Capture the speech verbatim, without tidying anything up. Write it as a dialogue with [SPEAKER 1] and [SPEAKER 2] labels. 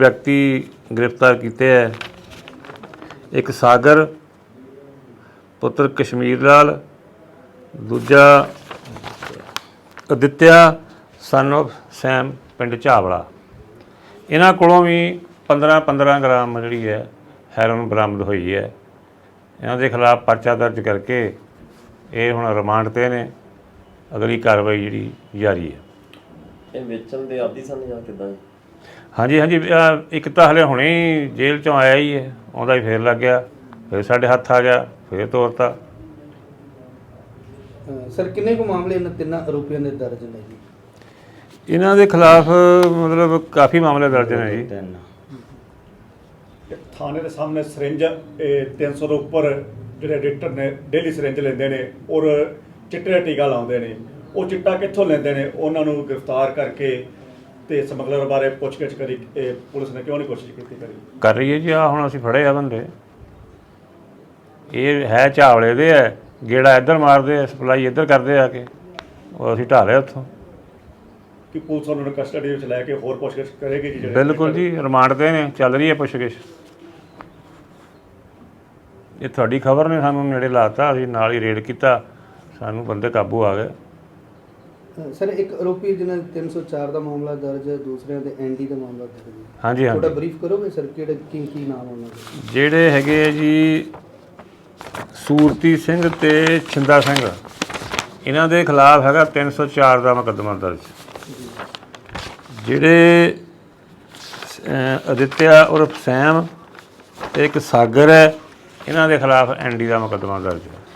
[SPEAKER 1] व्यक्ति गिरफ्तार किए है। एक सागर पुत्र कश्मीर लाल, दूजा आदित्य सन ऑफ सैम पिंड झावड़ा। इन्हां कोलों भी पंद्रह पंद्रह ग्राम जी है हैरोन बरामद हुई है। इन्हां दे खिलाफ परचा दर्ज करके ये हुण रिमांड ते ने, अगली कार्रवाई जी जारी है।
[SPEAKER 2] ਇਹ ਵੇਚਣ ਦੇ ਆਦੀ ਸਨ ਜਾਂ ਕਿੱਦਾਂ?
[SPEAKER 1] हाँ जी हाँ जी, एक तो हले हुणे ही जेल चों आया ही है, आउंदा ही फिर लग गया, फिर साढ़े हत्थ आ गया, फिर तोड़ता।
[SPEAKER 3] सर किन्ने को मामले इन तिन्ना आरोपियों ने दर्ज ने जी?
[SPEAKER 1] इन्हां दे खिलाफ मतलब काफ़ी मामले दर्ज ने जी।
[SPEAKER 4] थाने के सामने सरिंज तीन सौ के उपर जो एडिटर ने डेली सरिंज लेंदे ने और चिट्टे दा टीका लाउंदे ने, वो चिट्टा कित्थों लेंदे ने, उन्हां नूं गिरफ्तार करके ते समगलर बारे पुछगिछ करी। पुलिस ने क्यों नहीं कोशिश की करी?
[SPEAKER 1] कर रही है जी। आ हुण असीं फड़े आ बंदे, ये है झावड़े दे है, गेड़ा इधर मारते हैं, सप्लाई इधर करते आके, और असीं ढा लिया उत्थों।
[SPEAKER 4] कि पुलिस उन्होंने कस्टडी में लैके होर पुछगिछ करेगी जी?
[SPEAKER 1] बिल्कुल जी, रिमांड ते ने, चल रही है पुछगिछ। ये तुहाडी खबर ने सानूं नेड़े लाता, असीं नाल ही रेड कीता, सानूं बंदे काबू आ गए।
[SPEAKER 3] सर एक आरोपी जिन्हें तीन सौ चार का मामला दर्ज है, दूसरे का एन डी का मामला दर्ज है।
[SPEAKER 1] हाँ जी हाँ
[SPEAKER 3] थोड़ा
[SPEAKER 1] जी।
[SPEAKER 3] ब्रीफ करोगे सर कि की की नाम उन्होंने?
[SPEAKER 1] ਜਿਹੜੇ ਹੈਗੇ ਆ ਜੀ ਸੂਰਤੀ ਸਿੰਘ ਤੇ ਛਿੰਦਾ ਸਿੰਘ, ਇਹਨਾਂ ਦੇ ਖਿਲਾਫ ਹੈਗਾ ਤਿੰਨ ਸੌ ਚਾਰ ਦਾ ਮੁਕੱਦਮਾ ਦਰਜ। ਜਿਹੜੇ ਆਦਿਤਿਆ ਉਰਫ ਸੈਮ ਤੇ ਇੱਕ ਸਾਗਰ ਹੈ, ਇਹਨਾਂ ਦੇ ਖਿਲਾਫ ਐਨ ਡੀ ਦਾ ਮੁਕੱਦਮਾ ਦਰਜ ਹੈ।